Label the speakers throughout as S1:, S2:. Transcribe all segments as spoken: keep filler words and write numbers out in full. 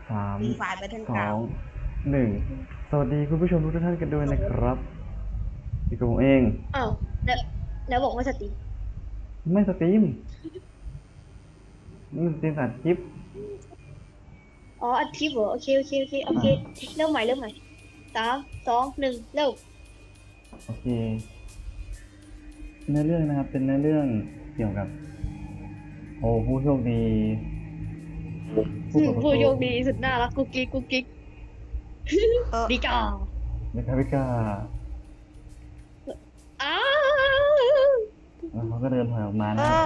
S1: สาม
S2: ฟรีไฟล์แบทเทิล
S1: ส
S2: กรา
S1: อ
S2: ว
S1: งหนึ่งสวัสดีคุณผู้ชมทุกท่านกันด้วยนะครับอยู่กับผมเอง
S3: อ้าวแล้วแล้วบอกว่าสตรีม
S1: ไม่สตรีมนี่สตรีมอัดคลิป
S3: อ๋ออัดคลิปเหรอโอเคโอเคโอเคโอเคเริ่มใหม่เริ่มใหม่สามสองหนึ่งเริ่ม
S1: โอเคเนื้อเรื่องนะครับเป็นเนื้อเรื่องเกี่ยวกับ โอ้ผู้โชคดีผู้เปิดประ
S3: ผู้โช
S1: ตู
S3: คดีสุดน่ารักกุ๊กกิ๊กกุ๊กกิ๊ก
S2: เออ
S3: ดีจ้า
S1: เมกาเมกา
S3: อ้า
S1: แล้วเขาก็เดินถอยออกมา
S2: เอ
S1: นะ
S2: อ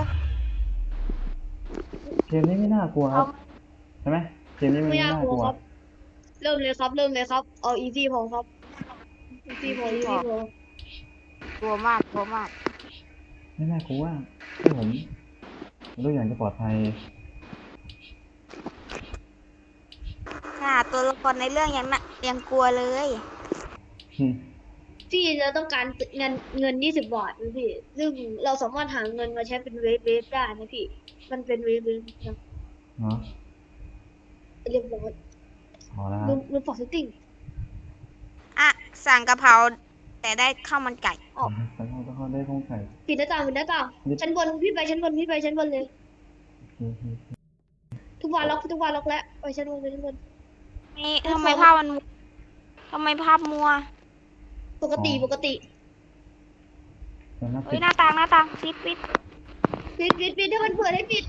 S1: เกมนี้ไม่น่ากลัวครับใช่ไหมเกมนี้มัน
S3: ไม่
S1: ไม่
S3: ยาก
S1: น่าก
S3: ลัว
S1: ลัว
S3: ครับ เริ่มเลยครับ เริ่มเลยครับเอาอีซี่พอครับอีซี่พออีซี่พอก
S2: ลัวมากกลัวมาก
S1: ไม่น่ากลัวที่ผมรู้อย่างจะปลอดภัย
S2: ค่ะตัวละครในเรื่องยังน่ะยังกลัวเลย
S1: อืม
S3: พี่จะต้องการเงินเงินยี่สิบบาทนะพี่ซึ่งเราสามารถหาเงินมาใช้เป็นเวฟเวฟได้นะพี่มันเป็นเวฟเวฟนะ
S1: เนาะ
S3: เรียบร้อย
S1: พอแล้วค
S3: ลื
S1: รับ
S3: มลืมปอกเซตติ้ง
S2: อ่ะสั่งกะเพราแต่ได้ข้าวมันไก่
S3: ออก
S1: แล้วเราก็ได้ข้องไก่
S3: ปิดหน้าต่างปิดหน้าต่างชั้นบนพี่ไปชั้นบนพี่ไปชั้นบนเลย
S1: โอเค
S3: ทุกวันล็อกทุกวันล็อกแล้วไปชั้นบนไปชั้นบน
S2: นี่ทำไมภาพมันมัวทำไมภาพมัว
S3: ปกติปกติ
S1: เดี๋ยวนะ
S2: เฮ้
S1: ปิ
S2: ย
S1: ด
S2: หน้าต่างหน้าต่างปิดปิด
S3: ปิดปิดปิดถ้ามันเปิดให้ปิด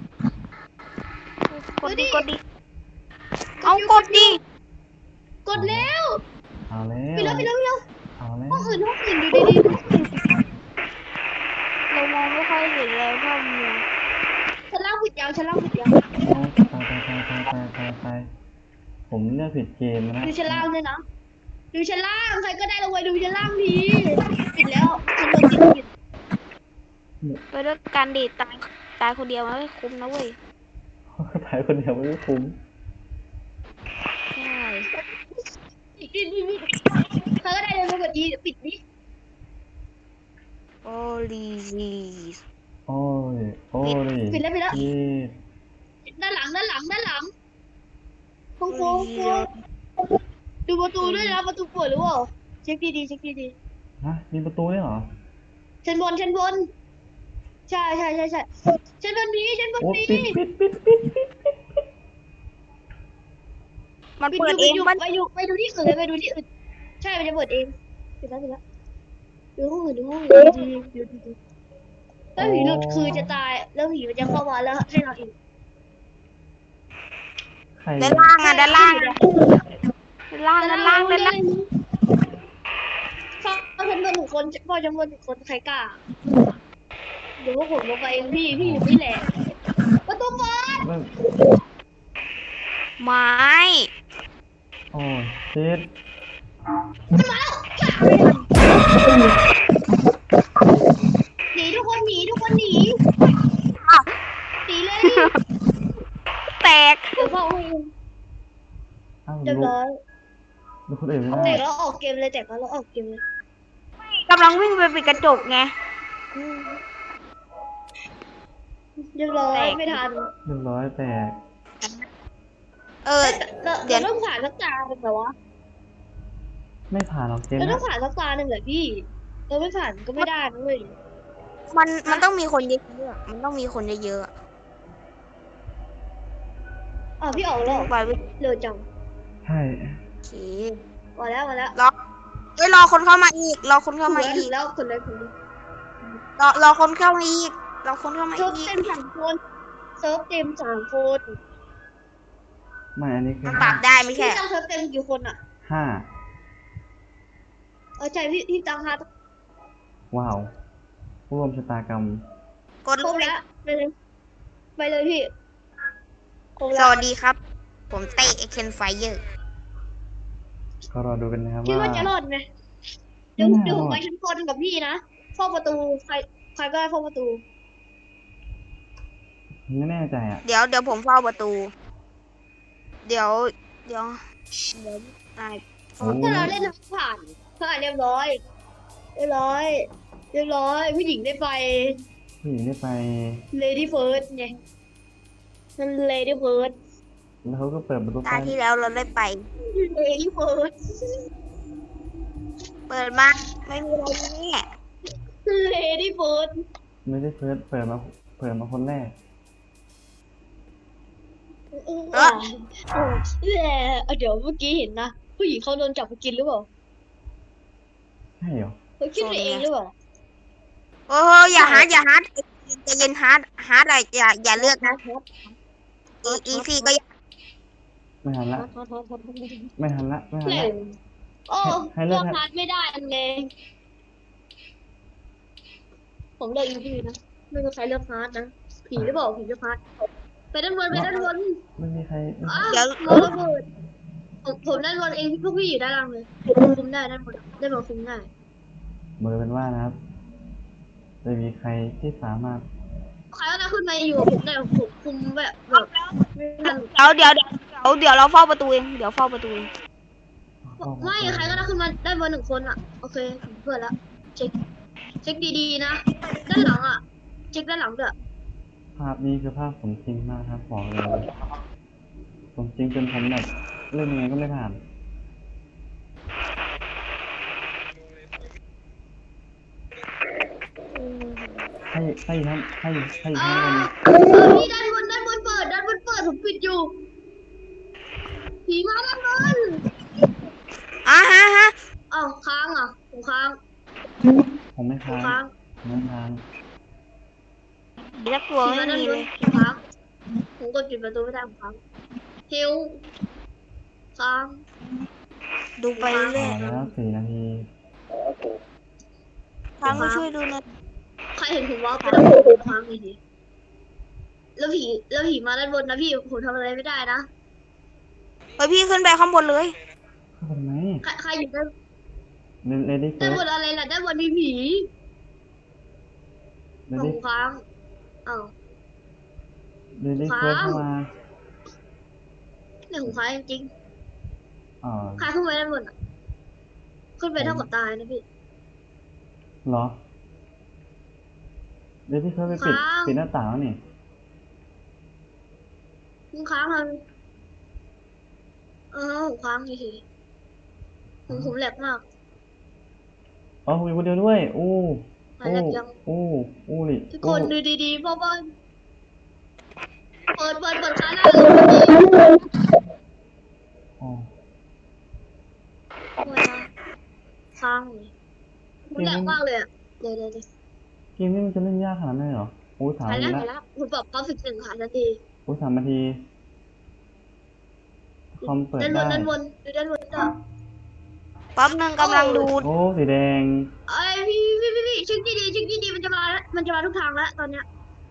S2: กดดิกดดิเอากดดิ
S3: กดแล้ว
S1: เอาแล้
S3: ปิดแล้ว
S1: ว
S3: ปิดแล้วปิดแล้ว
S1: เอาแล้ว
S3: ห้องอื่นห้องอื่นดูดีๆห้องอื่น
S2: เรามองไม่ค่อยเห็นเลยภาพมัว
S3: ชั้นล่างปิดยังชั้นล่างปิดยัง
S1: เอาตายตายตายตายตายตายตายผมเลือกผิดเกมนะ
S3: ดูชั้นล่างด้วยนะดูชั้นล่างใครก็ได้ลงไปดูชั้นล่างทีปิดแล้วชั้นบนปิดปิด
S2: ไปด้วยการดีดตายตายคนเดียวมันไม่คุ้มนะเว้ย
S1: ถ่ายคนเดียวไม่คุ้ม
S2: ใช่
S3: ปิดปิดปิดปิดใครก็ได้เลยลงกดอีปิดดิ
S2: โอ้ลีลี
S1: โอ้ยโอ้ย
S3: ปิดแล้วปิดแล้ว
S1: ยีด
S3: ด้านหลังด้านหลังด้านหลังโค้งโค้งโค้งดูประตูด้วยนะประตูเปิดหรือเปล่าเช็คดีๆเช็คดี
S1: ฮะมีประตูด้วยเหรอ
S3: ๆชั้นบนชั้นบนใช่ใช่ใช่ใช่ชั้นบนนี้ชั้นบน
S1: โอ้
S3: นี้
S1: ปิดปิดปิดปิดปิดปิด
S2: มัน
S3: ปิด
S2: เปิด
S3: อยู่
S2: เอ
S3: ปิด
S2: ง
S3: อยู่
S2: มัน
S3: ไปดูไปดูที่อื่นเลยไปดูที่อื่นใช่มันจะเปิดเองปิดแล้วปิดแล้วดูห้องอื่นดูห้องอื่นดีๆดูดีๆถ้าผีหลุดคือจะตายแล้วผีมันจะเข้ามาแล้วให้เราอีก
S1: ใคร
S2: ด้านล่างอ่ะด้านล่างอ่ะด้านล่างด้านล่างด้านล่าง
S3: พ่อฉันบนหนึ่งคนพ่อฉันบนหนึ่งคนใครกล้าเดี๋ยวพวกผมลงไปเองพี่พี่อยู่นี่แหละประตูเปิด
S1: เริ่ม
S2: ไม้
S1: โอ้ยชิด
S3: มันมาแล้วหนีทุกคนหนีทุกคนหนี
S2: อ้าว
S3: หนีเลย
S2: แตก
S3: เดี๋ยวพ่อให้
S1: อ้าว
S3: เรียบ
S1: ลุก
S3: ร้อย
S1: ลุกคนอื่นไม่
S3: แต
S1: ได้
S3: กแล้วออกเกมเลยแตกแล้วออกเกมเลย
S2: กำลังวิ่งไปปิดกระจกไง
S3: อืมเรียบร้อย
S2: แตก
S3: ไม่ทัน
S1: เรียบร้อยแตก
S2: เออ
S3: เรา
S2: เดี๋ยว
S3: เราต้องผ่านสักตาหนึ่งเหรอวะ
S1: ไม่ผ่านหรอกเกม
S3: เรา
S1: เนี้
S3: ต้อย งผ่านสักตาหนึ่งเหรอพี่เราไม่ผ่านก็ไม่ได้นะเว้ย
S2: มันมันต้องมีคนเยอะๆมันต้องมีคนเยอะๆอะ
S3: อ๋อพี่ออกแล้วเหรอ
S2: ไปวิ่ง
S3: เร็วจัง
S1: ใช่
S2: โอเค
S3: มาแล้วมาแล้ว
S2: รอเอ้ยรอคนเข้ามาอีก รอคนเข้ามา
S3: ถึ
S2: อี
S3: ง
S2: ก
S3: แล้วคนเลยคนเลย
S2: รอรอคนเข้ามาอีก รอคนเข้ามา
S3: เซิร์ฟ
S2: อีก
S3: เต็มสามคนเซิร์ฟเต็มสามคน
S1: ไม่อันนี้คือ
S2: มันปรับได้ไม่
S3: พี่
S2: ใช่
S3: ตั้งเซิร์ฟเต็มกี่คนอ่ะ
S1: ห้า
S3: เออใช่พี่พี่ตั้งห้า
S1: ว้าวผู้ร่วมชะตากรรม
S2: กด
S3: ครบแล้วไปเลยไปเลยพี่ครบ
S2: ส
S3: แล้ว
S2: วัสดีครับ ผมเตะเอ็กเคนไฟเยอร์
S1: ก็รอดูกันนะครับ
S3: คิด
S1: ว่า
S3: ว่าจะรอดไหมเดี๋ยว
S1: ไม่น่า
S3: เดี๋ยวผม
S1: รอด
S3: ไปชั้นบนกับพี่นะเฝ้าประตูใครใครก็ได้เฝ้าประตู
S1: ไม่แน่ใจอ่ะ
S2: เดี๋ยวเดี๋ยวผมเฝ้าประตู เดี๋ยว เดี๋ยวเดี๋ยวตาย
S1: โอ้
S3: ถ้าเราเล่นผ่านผ่านเรียบร้อยเรียบร้อยเรียบร้อยผู้หญิงได้ไป
S1: ผู้หญิงได้ไป
S3: Lady First ไงนั่น Lady First
S1: แล้วเขาก็เปิดประตู
S2: ตา
S1: ใต้
S2: ที่แล้วเราได้ไป
S3: เฮ้ยเฟิร์ส
S2: เปิดมาไม่มีอะไรแน่
S3: เลดี้เฟิร์ส
S1: ไม่ได้เฟิร์สเปิดมาเปิดมาคนแรก
S3: เออเออแต่เดี๋ยวเมื่อกี้เห็นนะผู้หญิงเขาโดนจับไปกินหรือเปล่า
S1: ใช่เหรอ
S3: เขาคิดไปเองหรือเปล่า
S2: โอ้โหอย่าฮาร์ดอย่าฮาร์ดใจเย็นฮาร์ดฮาร์ดอะไรอย่าอย่าเลือกนะอีอีซี่ก็อย่า
S1: ไม่ทันละไม่ทันละไม่ทัน
S3: แหล่
S1: ละ
S3: งโอ้
S1: ให้เลื
S3: เลื
S1: อ
S3: อก กพาร์ทไม่ได้อันไงผมเลือกอีพีนะไม่มีใครเลือกพาร์ทนะผีหรือเปล่าผีเลือกพาร์ทไปด้านบนไปด้านบน
S1: ไม่มีใครไม่
S3: อ้าว
S2: เดี๋ยว
S3: มองระเบิดผมผมด้านบนเองพวกพี่อยู่ด้านล่างเลยคุมได้ด้านบนด้านบนคุมได้
S1: เบอร์เป็นว่านะครับจะมีใครที่สามารถ
S3: ใครก็ได้ขึ้นมาอยู่กับผมได้ผมคุมแบบแบบไม่ทัน
S2: เดี๋ยวเดี๋ยวเดี๋ยวเดี๋ยวเราเฝ้าประตูเองเดี๋ยวเฝ้าประตูเอง
S3: ไม่ใครก็ได้ขึ้นมาด้านบนหนึ่งคนอ่ะโอเคผมเพื่อนละเช็คเช็คดีๆนะด้านหลังอ่ะเช็คด้านหลังด้วย
S1: ภาพนี้คือภาพสมจริงมากครับบอกเลยสมจริงจนผมแบบเล่นยังไงก็ไม่ผ่านให้ให้ทั้งให้ให้
S3: อ่า
S1: ทั้งคน
S3: เออพี่ด้านบนด้านบนเปิดด้านบนเปิดผมปิดอยู่ผีมาด้านบน
S2: อ่ะฮะฮะ
S3: อ้าวค้างอ่ะผมค้าง
S1: ผมไม่
S3: ผม
S1: ค้าง
S3: ค้าง
S1: ผมไม่ค้าง
S2: เดี๋ยวกลัว
S3: ผี
S2: ไม่
S3: มาด้าน
S2: มี
S3: บ
S2: เล
S3: น
S2: ย
S3: ผมค้างผมกดปิดประตูไม่ได้ผมค้างเฮลค้าง
S2: ดูไปเรื่
S1: ต่
S2: อ
S1: อย แล้วสี่นาที
S2: ทางก็ช่วยดูหนะ
S3: ใครเห็นผมว่าไปด้านบนผมค้างอีกทีแล้วผีแล้วผีมาด้านบนนะพี่ผมทำอะไรไม่ได้นะ
S2: ไปพี่ขึ้นไปข้างบนเลย
S1: เข้าไปทำไม
S3: ใครใครอยู่ด้าน
S1: เลดี้เฟิ
S3: ด้าน
S1: ร์
S3: บนอะไรล่ะด้านบนมีผี
S1: เล
S3: ผ
S1: ดี้
S3: มค้างอ้าว
S1: เลดี้เฟิร์สเข้ามา
S3: เนี่ยผมค้างจริง
S1: อ่า
S3: ๆค้างขึ้นไปด้านบนอ่ะขึ้นไปเท่ากับตายนะพี่
S1: เหรอเลดี้เฟิร์สไปปิด
S3: ค้าง
S1: ปิดหน้าต่างแล้วนี่
S3: ผมค้างเลยเออผมค้างเฉยๆผมผมแหลกมาก
S1: อ๋อผมอยู่คนเดียวด้วยอู้
S3: หาย
S1: อู้
S3: แหลกยัง
S1: อู้อู้นี่
S3: ทุกคน
S1: อู้
S3: ดูดีๆเพราะว่าเปิดเปิดเปิดค้างได้เลย
S1: อ๋อ
S3: เปิดนะค้างเลยผมแหลกมากเลยอ่ะเดี๋ยวเดี๋ยวเดี๋ยว
S1: เกมนี้มันจะเล่นยากขนาดนั้นเลยเหรออู้สาม
S3: หาย
S1: นา
S3: แล้ว
S1: ที
S3: หาย
S1: ละ
S3: แล้วผมปรับความสึกหนึ่งค่ะทันที
S1: อู้สามนาทีคอมเปิด
S3: ด้านบ
S1: ได้
S3: นด้านบนดูด้านบนจ้ะ
S2: แป๊บนึงกำลังดู
S1: โอ้สีแดง
S3: ไอ้ยพี่พี่พี่พี่เช็คดีๆเช็คดีๆมันจะมาแล้วมันจะมาทุกทางแล้วตอนเนี้ย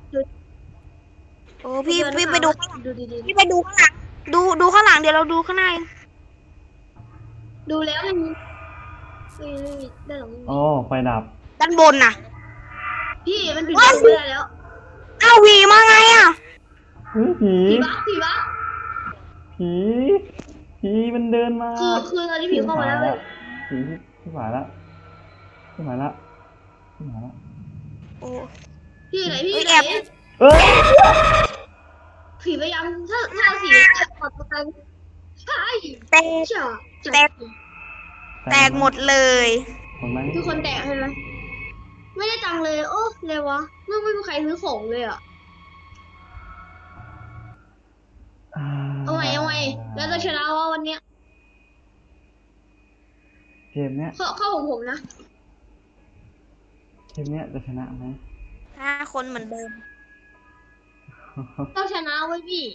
S2: โอ้พี่
S3: มันจะ
S2: พี่
S3: มา
S2: ไปดู
S3: ทุกทางแล้วดูดี
S2: พี่ไปดูข้างหลังดูดูข้างหลังเดี๋ยวเราดูข้างใน
S3: ๆดูแล้วมันไม่มีไม่มีด้านหลังไม่มี
S1: โอ้ไฟดับ
S2: ด้านบนน่ะ
S3: พี่มันปิดประตูไม่ได้แล้ว
S2: อ้าวหวีมาไงอ่ะ
S1: เฮ้ยผี
S3: ผีบักผีบัก
S1: ผีผีมันเดินมา
S3: คือคือตอนนี้ผีเข้ามาแล้วเลย
S1: ผีที่ที่หมายละที่หมายละที่หมายละ
S2: โอ้
S3: พี่ไหนพี่
S2: เอ้ย
S3: ไหน
S2: แอบ
S1: เอ้ย
S3: ผีพยายามถ้าถ้าสีแอบปัดประกันใช่
S2: แตก
S3: จ้ะ
S2: แตก แตกหมดเลย
S1: คนไหม
S3: คือคนแตกใช่ไหมไม่ได้ตังค์เลยโอ้เลยวะไม่ไม่มีใครซื้อของเลยอ่ะ
S1: อ่า
S3: เอาไงเอาไงแล้วจะชนะว่าวันเนี้ย
S1: เกมเนี้ย
S3: เข้าเข้าของผมนะ
S1: เกมเนี้ยจะชนะไหม
S2: ห้าคนเหมือนเดิม
S3: ต้องชนะไว้พี่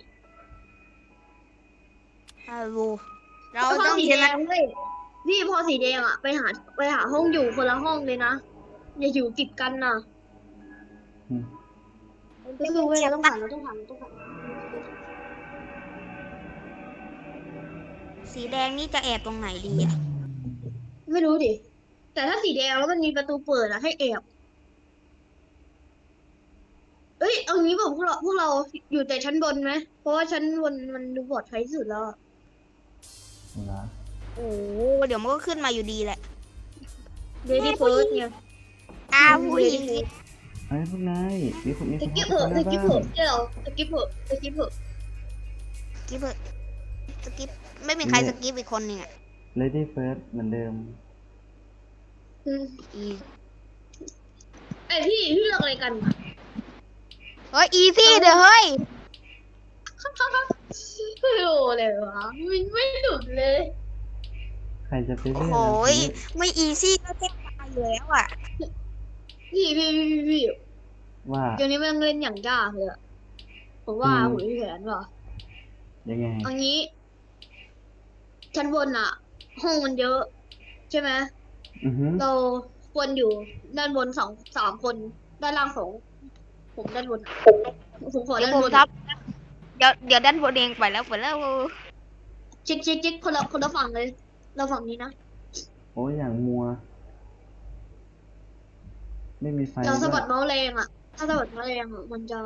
S2: ฮัลโหลเรา
S3: พอ
S2: ต้อง
S3: สี
S2: ช
S3: แด
S2: นะ
S3: งเว้ยพี่พอสีแดงอ่ะไปหาไปหาห้องอยู่คนละห้องเลยนะอย่าอยู่ติดกันนะ
S1: อืม
S3: ก็คือเว้ยเราต้องผ่านเราต้องผ่านเราต้องผ่าน
S2: สีแดงนี่จะแอบตรงไหนดีอ่ะ
S3: ไม่รู้ดิแต่ถ้าสีแดงแล้วมันมีประตูเปิดอะให้แอบเอ้ยเอางี้บอกพวกเราพวกเราอยู่แต่ชั้นบนไหมเพราะว่าชั้นบนมันดูปลอดภัยที่สุดแล้วอะ
S1: เหรอ
S2: โอ้เดี๋ยวมันก็ขึ้นมาอยู่ดีแหละ
S3: เดดี้เฟิร์สเนี่ย
S2: อ้าวผู้หญิง
S1: ไอ้ยพวกนายมีคนมีค
S3: ส
S1: น
S3: กิป
S1: เข้า
S3: เถอะ
S1: ไป
S3: ส
S1: ใน
S3: กิป
S1: บ้า
S3: เถอะ
S1: น
S3: เดี๋ยวสกิปเถอะสกิปเถอะ
S2: กิ๊บเบอร์สกิปไม่มีใคร
S1: เนี่ย
S2: สกิปอีกคนหนึ่งอ่ะ
S1: Lady First เหมือนเดิม
S3: อืม
S2: อี
S3: ไอพี่พี่เลือกอะไรกันอะ
S2: เฮ้ยอีซี่เด้อเฮ้ย
S3: ไม่รู้เลยวะไม่ไม่หลุดเลย
S1: ใครจะไป
S2: โอ้
S1: เลือก
S2: โห
S1: ล่ะ
S2: ยไม่อีซี่ก็แทบตายอยู่แล้วอ่ะ
S3: พี่พี่พี่พี่พี่
S1: ว่า
S3: เดี๋ยวนี้มันเล่นอย่างยากเลยอะผมว่า
S1: อืม
S3: ผมมีแผนว่ะ
S1: ยังไง
S3: เอางี้ชั้นบนอะห้องมันเยอะ ใช่ไหม
S1: อือฮึ
S3: เราควรอยู่ด้านบนสองสามคน ด้านล่างสองผมด้านบนอะผมขอ
S2: เดี๋ย
S3: ด้า
S2: วน ผม
S3: บน
S2: ทับเดี๋ยวเดี๋ยวด้านบนเองไปแล้วไปแล้ว
S3: เช็คเช็คเช็คคนละคนละฝั่งเลย เราฝั่งนี้นะ
S1: โอ้ยอย่างมัว ไม่มีไฟ
S3: เราสะ
S1: ด้ว
S3: บั
S1: ย
S3: ดเมาส์แรงอะถ้าสะบัดเมาส์แรงอะมันจะ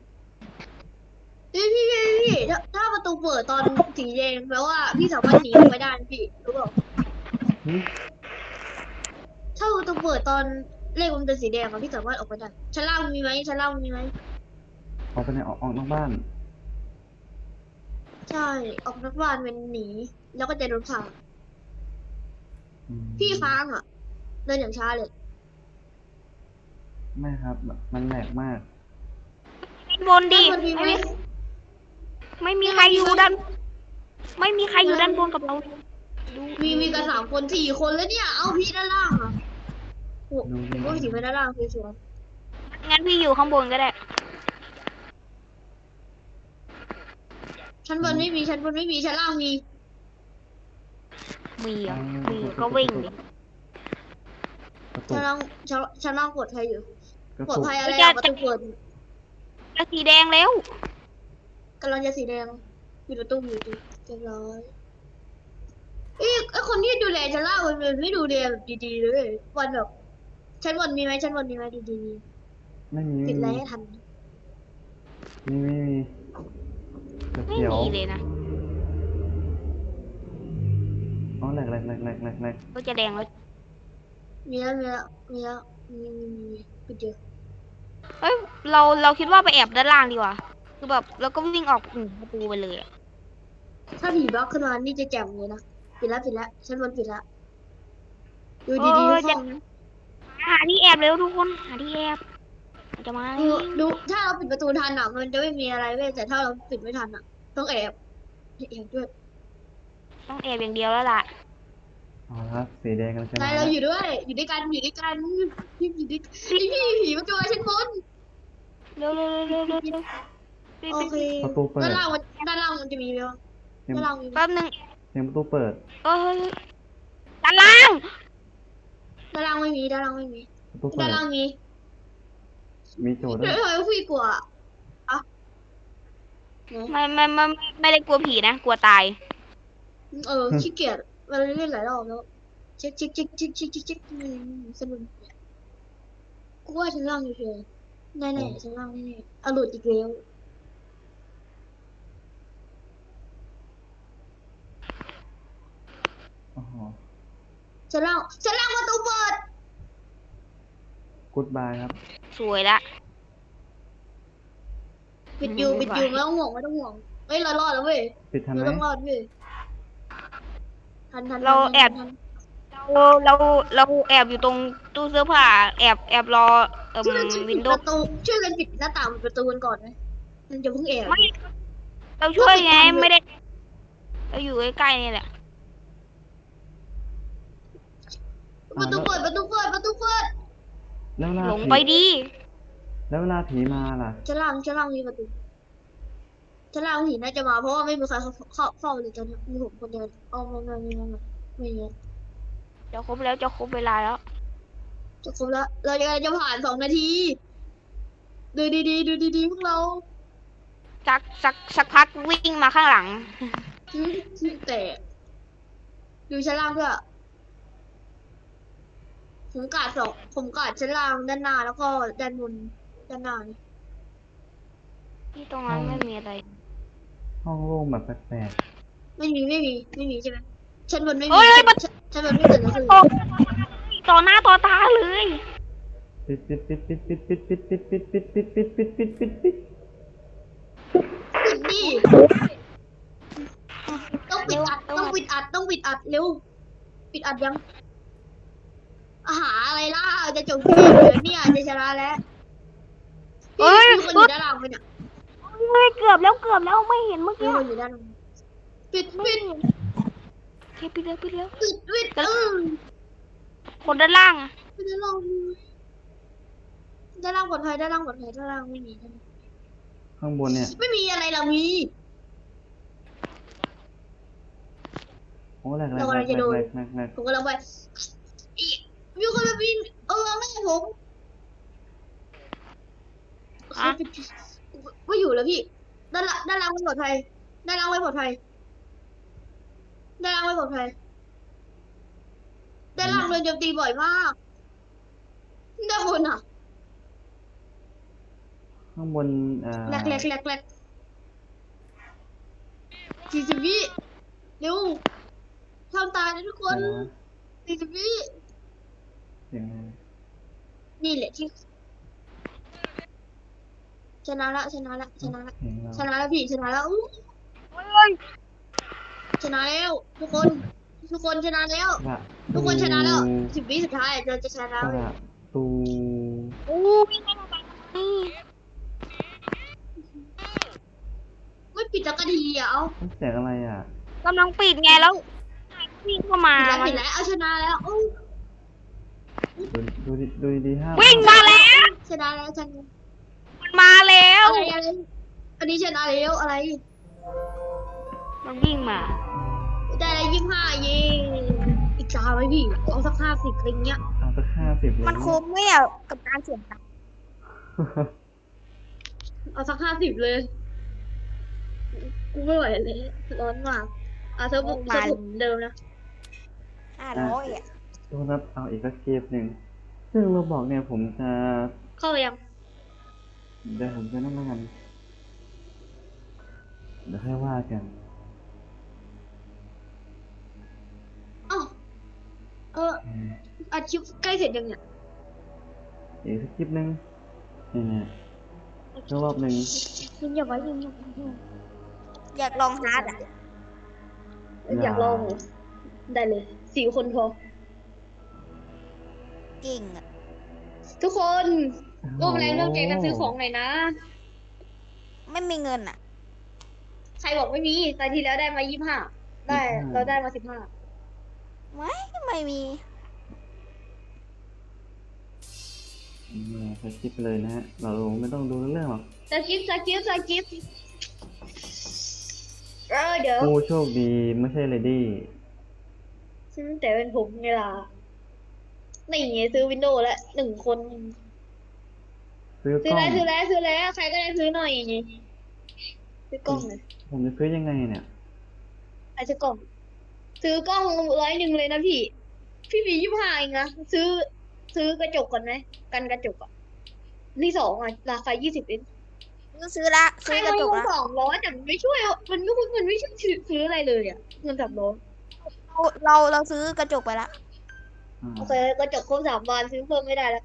S3: พี่พี่พี่พี่ถ้าถ้าประตูเปิดตอนสีแดงแปลว่าพี่สามารถหนีออกไปได้นะพี่รู้เปล่า
S1: หึ
S3: ถ้าประตูเปิดตอนเลขมันเป็นสีแดงอะพี่สามารถออกไปได้ชั้นล่างมีไหมชั้นล่างมีไหม
S1: ออกไปไหนออกออกนอกบ้าน
S3: ใช่ออกนอกบ้านเป็นหนี แล้วก็จะโดนขัง
S1: อืม
S3: พี่ค้างอะเดินอย่างช้าเลย
S1: ไม่ครับ มันแหลกมาก
S2: ด้านบนดิ
S3: ด้านบนมีไหม
S2: ไม่มีไม่มีใครอยู่ด้าน ไม่มีใครอยู่ด้านบนกับเราดู
S3: มีมีกันสามคนสี่คนแล้วเนี่ย เอาพี่ด้านล่างอะโอ้ผมก็ถือไปด้านล่างสวย
S2: งั้นพี่อยู่ข้างบนก็ได้
S3: ๆชั้นบนไม่มีชั้นบนไม่มีชั้นล่างมี
S2: มีเหรอ่ะ
S1: อืม
S2: มีก็วิ่งดิ
S1: กระตุ
S3: ชั้
S1: ก
S3: นล่างชั้นชั้นล่างปลอดภัยอยู่
S1: กระ
S3: ปลอด
S1: ตุก
S3: ภัยอะไร
S2: จะ
S3: อะประตูเปิด
S2: จะสีแดงแล้ว
S3: กำลังจะสีแดงปิดประตูอยู่ดีเรียบร้อยเอ้ยไอคนที่ดูแลชั้นล่างมันไม่ดูแลแบบดีๆเลยวันแบบชั้นบนมีไหมชั้นบนมีไหมดีๆ
S1: ไม่มี
S3: ปิ
S1: ไม่
S3: ดไล
S1: มี
S3: น์ให้ทัน
S1: มีไม่มีเดี๋ยว
S2: ไม่
S1: เขียว
S2: มีเลยนะ
S1: อ๋อแหลกแหลกแหลกแหลกแหลกแหลก
S2: ก็จะแดงแล้ว
S3: มีแล้วมีแล้วมีแล้วมีมีมีมีปิดเยอะ
S2: เอ้ยเราเราคิดว่าไปแอบด้านล่างดีกว่าคือแบบแล้วก็วิ่งออกอืมประตูไปเลยอะ
S3: ถ้าผีบล็อกขึ้นมานี่จะแจ่มเลยนะปิดแล้วปิดแล้วชั้นบนปิดแล้วดู
S2: เอ
S3: ดีๆ
S2: อ
S3: ทุก
S2: จะ
S3: ห้องนะ
S2: หาที่แอบเร็วทุกคนหาที่แอบมันจะมา
S3: ดูดูถ้าเราปิดประตูทันอ่ะมันจะไม่มีอะไรเว้ยแต่ถ้าเราปิดไม่ทันอ่ะ ต้องแอบแอบด้วย
S2: ต้องแอบอย่างเดียวแล้วล่ะ
S1: เอาละครับสีแดงกันใช่ไหม
S3: นายเราอยู่ด้วย อยู่ด้วยกันอยู่ด้วยกันพี่อยู่ด้วยพี่พี่ผีมันจะมาชั้นบน
S2: เร็วเร็วเร็วเร็วเร็ว
S3: โอเค
S1: ประตูเปิด
S3: ด้านล่างมันด้านล่างมันจะมีไหมวะ
S1: เสียง
S3: ด้านล่างมีไหม
S2: แป๊บนึง
S1: เสียงประตูเปิด
S2: เอ้ยด้านล่าง
S3: ด้านล่างไม่มีด้านล่างไม่มี
S1: ประตูเปิ
S3: ด้าน
S1: ด
S3: ล่างมี
S1: มีโจทย์ด้
S3: เดี๋
S1: วย
S3: วย ทำไมพี่กลัวอ่ะไหน
S2: ไม่ไม่ไม่ไม่ได้กลัวผีนะกลัวตาย
S3: เออขี้เกียจเราเล่นหลายรอบแล้วเช็คเช็คเช็คเช็คเช็คเช็คเช็คอืมสนุกกูว่าชั้นล่างอยู่เฉยแน่ๆชั้นล่างแน่ๆเอาหลุดอีกแล้ว
S1: อ๋อ
S3: ชั้นล่างชั้นล่างประตูเปิด
S1: กูดบายครับ
S2: สวยละ
S3: ปิดอยู่
S2: อืม
S3: ปิดอยู่
S2: บ๊ายบาย
S3: ไม่ต้องห่วงไม่ต้องห่วงเฮ้ยเรารอดแล้วเว้ย
S1: ปิดทันไห
S3: เรา
S1: ม
S3: ต้องรอดเว้ยทันทัน
S2: เรา
S3: ทัน
S2: แอบ
S3: ทัน
S2: เราเราเราแอบอยู่ตรงตู้เสื้อผ้าแอบแอบรอเอ่
S3: ช่วย
S2: ม
S3: กันปิ
S2: วิ
S3: ด
S2: นโด
S3: ป
S2: ว์
S3: ระตูช่วยกันปิดหน้าต่างปิดประตูกันก่อนไหมมันจะเพิ่งแอบ
S2: ไม่เราช่วยไง
S3: ก็ปิดทันเลย
S2: ไม่ได้ เราอยู่ใกล้ๆนี่แหละ
S3: ประตูเปิดประตูเปิดประตูเปิด
S1: แล้วเวลา
S2: หลง
S1: ผี
S2: ไปดี
S1: แล้วเวลาผีมาล่ะ
S3: ชั้นล่างชั้นล่างมีประตูชั้นล่างผีน่าจะมาเพราะว่าไม่มีใครเข้าเข้าเข้าเลยตอนนี้มีผมคนเดียวอ๋อไม่ไม่ไม่ไม่ไม่ไม่ไม่
S2: จะครบแล้วจะครบเวลาแล้ว
S3: จะครบแล้วเราจะจะผ่านสองนาที ดูดีๆดูดีๆพวกเรา
S2: สักสักสักพักวิ่งมาข้างหลัง
S3: แต่ดูชั้นล่างด้วยผมกาดสองผมกาดชั้นล่างด้านหน้าแล้วก็ด้านบนด้านหน้านี่
S2: ที่ตรงนั้นไม่มีอะไร
S1: ห้องโล่งแบบแปลก
S3: ไม่มีไม่มีไม่มีใช่ไหมชั้นบนไม่มี
S2: เฮ้ย
S3: ชั้นชั้นบนไม่เกิดอะไรขึ้น
S2: ต่อต่อหน้าต่อตาเลย
S1: ๆปิดปิดปิดปิดปิดปิดปิดปิดปิดปิดปิดปิดปิดปิดปิดปิดปิด
S3: ปิดดิอัดเร็วปิดอัดยังอาหาอะไรล่ะจะจบเกมเลยเนี่ยจะชนะแล้ว
S2: เอ้ย
S3: มีคนอยู่ด้านหลังไปเนี่ย
S2: เฮ้ยเกือบแล้วเกือบแล้วไม่เห็นเมื่อ
S3: มี
S2: กี้
S3: คนอยู่ด้านหลังปิดปิด
S2: โอเคปิดแล้วปิดแล้ว
S3: ปิดปิดเออ
S2: คนด้านล่างอะ
S3: ไม่ได้ลองด้านล่างปลอดภัยด้านล่างปลอดภัยด้านล่างไม่มี
S1: ข้างบนเนี่ย
S3: ไม่มีอะไรเรามี
S1: โอ้แหลกแหล
S3: เรา
S1: ก
S3: กำลังจะโดน
S1: แหลกแหลกแหลก
S3: ผมกำลังไปอีมีคนมาบินเออแม่ผมเขาปิดไม่อยู่แล้วพี่ด้านล่างด้านล่างไม่ปลอดภัยด้านล่างไม่ปลอดภัยด้านล่างไม่ปลอดภัยด้านล่างโดนโจมตีบ่อยมากด้านบนอ่ะ
S1: ข้างบนอ่า
S3: แหลกแหลกแหลกแหลกสี่สิบวิเร็วทำตายนะทุกคน
S1: อะไรวะ
S3: สี่สิบวิ
S1: เสียงอะไร
S3: นี่แหละที่ชนะละชนะละชนะละ
S1: เสียงเรา
S3: ชนะแล้วพี่ชนะแล้วอู้
S2: เฮ้ย
S3: ชนะแล้ว ทุกคน ทุกคนชนะแล้ว
S1: กระ
S3: ทุกคนชนะแล้วสิบวิสุดท้ายเราจะชนะ
S1: กระตู
S2: โอ้ยไม่ต้องไปนี่
S3: ไม่ปิดสักทีอ่ะเอา
S1: เสียงอะไรอ่ะ
S2: กำลังปิดไงแล้ววิ่งเข้ามา
S3: ปิดแล้วปิดแล้วเอาชนะแล้วอู้
S1: ดูดูดิดูดีๆห้าม
S2: วิ่งมาแล้ว
S3: ชนะแล้วชนะ
S2: มันมาแล้ว
S3: อะไรอะไรอันนี้ชนะแล้วอะไร
S2: มันวิ่งมา
S3: ได้แล้วยี่สิบห้าเย่อีกสามไหมพี่เอาสักห้าสิบอะไรเงี้ย
S1: เอาสักห้าสิบเลย
S2: มันคุ้มไหมอ่ะกับการเสี่ยงตังค์
S3: เอาสักห้าสิบเลย กูไม่ไหวเลย ร้อนมากอ่ะเธอบุกเธอบุกเหมือนเดิมนะ
S2: ห้าร้อยอ่ะ
S1: ดูนับเอาอีกสักเกมหนึ่งซึ่งเราบอกเนี่ยผมจะ
S3: เข้าไปยัง
S1: เดี๋ยวผมจะนั่งแล้วกันเดี๋ยวค่อยว่ากัน
S3: อ้าวเออ
S1: อืม
S3: อัดคลิปใกล้เสร็จยังเนี่ย
S1: อีกสักคลิปหนึ่งนี่เนี่ยสักรอบหนึ่ง
S3: ยิงอย่าไว้ยิงอย่าไว้ยิง
S2: อยากลองฮาร์ดอ่ะ
S3: อยากลองเหรอได้เลยสี่คนพอ
S2: เก่งอ่ะ
S3: ทุกคนร่วมแรงร่วมใจกันซื้อของหน่อยนะ
S2: ไม่มีเงินอ่ะ
S3: ใครบอกไม่มีตอนที่แล้วได้มายี่สิบห้าได้เราได้มาสิบห้า
S2: ไม่ไม่มี
S1: เนี่ยสักคลิปไปเลยนะฮะเราไม่ต้องดูเรื่องหรอก
S3: สกิปสกิปสกิปเออเดี๋ยว
S1: ผู้โชคดีไม่ใช่เลดี้
S3: ฉันแต่เป็นผมไงล่ะนี่ไงซื้อวินโดว์แล้วหนึ่งคน
S1: ซื้อก
S3: ซื้อ
S1: ล้อ
S3: แล้ว
S1: ง
S3: ซื้อแล้วซื้อแล้วใครก็ได้ซื้อหน่อยซื้อกล้องเลย
S1: ผมจะซื้อยังไงเนี่ย
S3: ไอ้ซื้อกล้อง ซื้อกล้องร้อยหนึ่งเลยนะพี่ พี่มียี่สิบห้าเองนะซื้อ ซื้อกระจกก่อนไหมกันกระจกอ่ะนี่สองอ่ะราคายี่สิบเอง
S2: ซื้อซื้อละ
S3: ใคร
S2: ซื้อกระ
S3: มา
S2: จ
S3: ล
S2: ก
S3: ง
S2: ละ
S3: สองร้อยแต่มันไม่ช่วยมันไม่มันไม่ช่วยซื้ออะไรเลยอ่ะเงินสามร้อย
S2: เราเราเราซื้อกระจกไปละ
S1: อ่า
S3: โอเคกระจกครบสามวันซื้อเพิ่มไม่ได้แล้ว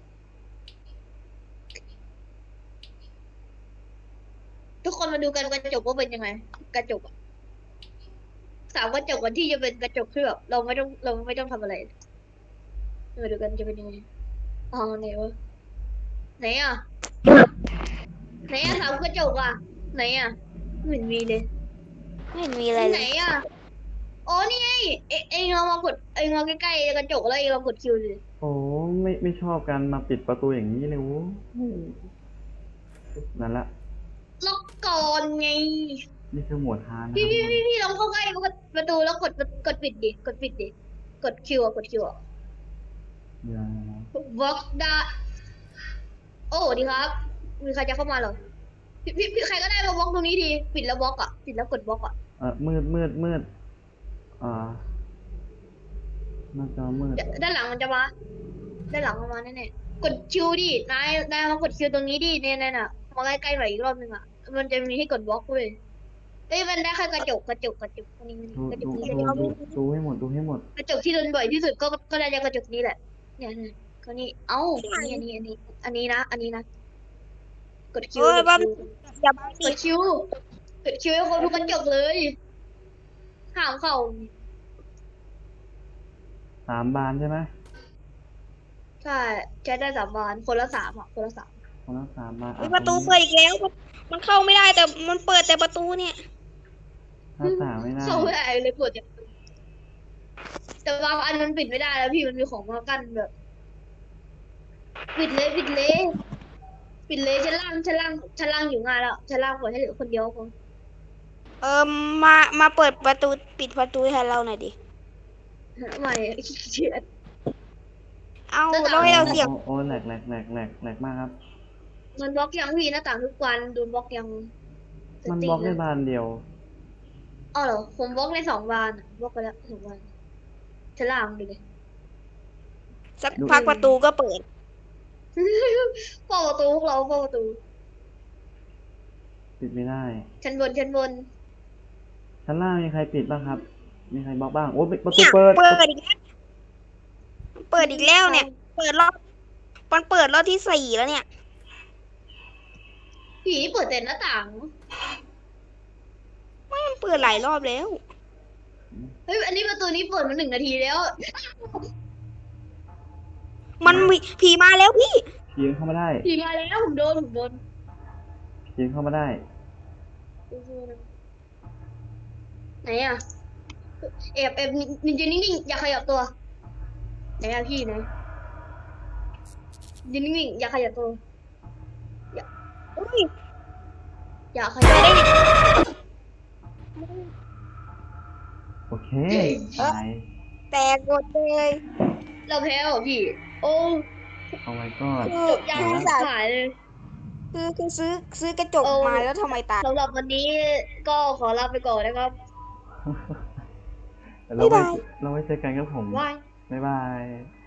S3: ทุกคนมาดูกันกระจกว่าเป็นยังไง กระจกอะสามกระจกก่อนที่จะเป็นกระจกที่แบบเราไม่ต้องเราไม่ต้องทำอะไรมาดูกันจะเป็นยังไงอ๋อไหนวะไหนอ่ะไหนอ่ะสามกระจกอ่ะไหนอ่ะไม่เห็นมีเลย
S2: ไม่เห็นมีอะไร
S3: ไห
S2: เล
S3: น
S2: ย
S3: อ่ะอ๋อนี่ไงเอเองเรามากดเองเราใกล้ๆกระจกแล้วเองเรากดคิวเลย
S1: โอ้ไม่ไม่ชอบการมาปิดประตูอย่างนี้เลยโว้นั่นละ
S3: ล็อกก่อนไง
S1: นี่คือหมวดฮาร์ดนะค
S3: พี่
S1: รับ
S3: พี่พี่พี่ลองเข้าใกล้ประตูแล้วกดกดปิดดิกดปิดดิกดคิวอ่ะกดคิวอ่ะ
S1: อย่า
S3: บล็อกได้โอ้ดีครับ มีใครจะเข้ามาเหรอพี่พี่พี่ใครก็ได้มาบล็อกตรงนี้ทีปิดแล้วบล็อกอ่ะปิดแล้วกดบล็อกอ่ะ
S1: เออมืดมืดมืดอ่าหน้าจอมืด
S3: เดี๋ยวด้านหลังมันจะมาด้านหลังมันมาแน่ๆกดคิวดินายนายมากดคิวตรงนี้ดิเนี่ยเนี่ยน่ะมาใกล้ๆหน่อยอีกรอบนึงอ่ะมันจะมีให้กดบล็อกเว้ยเอ้ยมันได้แค่กระจกกระจกกระจกอันนี้
S1: ดู
S3: กระจ
S1: ดู
S3: กนี้
S1: ดูดูดูให้หมดดูให้หมด
S3: กระจกที่โดนบ่อยที่สุดก็ก็ได้จากกระจกนี้แหละเนี่ยเนี่ยก็นี่เอ้าอันนี้อันนี้อันนี้อันนี้นะอันนี้นะกดคิว
S2: เฮ้ย
S3: กด
S2: บ้า
S3: คิว
S2: อย่าไป
S3: ก
S2: ดิ
S3: ดคิวกดคิวให้คนทุกกระจกเลยห้ามเข้า
S1: สามบานใช่ไหม
S3: ใช่ใช้ได้สามบานคนละสามอ่ะคนละสาม
S1: คนละสามบาน
S2: อุ๊
S1: อ่ะ
S2: ยประตู
S1: ตรง
S2: เปิดอีกแล้ว มันเข้าไม่ได้แต่มันเปิดแต่ประตูเนี่ย
S1: หน้าต่างไม่ได้
S3: เข้าไม่ได้เลยปวดอย่างแต่บางอันมันปิดไม่ได้แล้วพี่มันมีของมากั้นแบบ ปิดเลยปิดเลยปิดเลยชั้นล่างชั้นล่างชั้นล่างอยู่งานแล้วชั้นล่างปล่อยให้เหลือคนเดียวพอ
S2: เออมามาเปิดประตูปิดประตูให้เราหน่อยดิ
S3: ไม่ขี้เกียจ
S2: เอา
S3: หน้าต่าง
S2: เราให้เราเสียบ
S1: โอ้โอ้แหลกแหลกแหลกแหลกแหลกมากครับ
S3: มันบล็อกยังพี่หน้าต่างทุกวันโดนบล็อกยัง
S1: มันบล็อกได้บานเดียว
S3: อ๋อเหรอผมบล็อกในสองบานอะบล็อกไปแล้วสองบานชั้นล่างดูเลย
S2: สักพักประตูก็เปิด
S3: เฝ้าประตูพวกเราเฝ้าประตู
S1: ปิดไม่ได้
S3: ชั้นบนชั้นบน
S1: ชั้นล่างมีใครปิดบ้างครับ มีใครบล็อกบ้าง โอ้ประตู
S2: เนี่ย
S1: เปิด
S2: เปิดอีกแล้วเปิดอีกแล้วเนี่ย เปิดรอบมันเปิดรอบที่สี่แล้วเนี่ย
S3: ผีนี่เปิดแต่หน้าต่าง
S2: ไม่มันเปิดหลายรอบแล้ว
S3: เฮ้ยอันนี้ประตูนี้เปิดมาหนึ่งนาทีแล้ว
S2: มันมีผีมาแล้วพี่
S1: ผีเข้ามาได้
S3: ผีมาแล้วผมโดนผมโดน
S1: ผีเข้ามาได้
S3: ไหนอ่ะแอบแอบนิ่งๆนิ่งๆอย่าขยับตัวไหนอ่ะพี่ไหนยืนนิ่งๆอย่าขยับตัว
S2: อุ้ย
S3: อย่าขยับ
S1: โอเค
S2: เอ๊ะ
S1: ตาย
S2: แตกหมดเลย
S3: เราแพ้เหรอพี่ โอ้
S1: เอาไว้ก็
S2: คือ
S3: จบยาก
S2: คือ
S3: สายเลย
S2: คือคือซื้อซื้อกระจก
S3: โอ้
S2: มาแล้วทำไมตาย
S3: สำหรับวันนี้ก็ขอลาไปก่อนนะครับ
S1: เราไว้
S2: บ๊ายบาย
S1: เราไว้เจอกันครับผม
S3: บาย
S1: บ๊ายบาย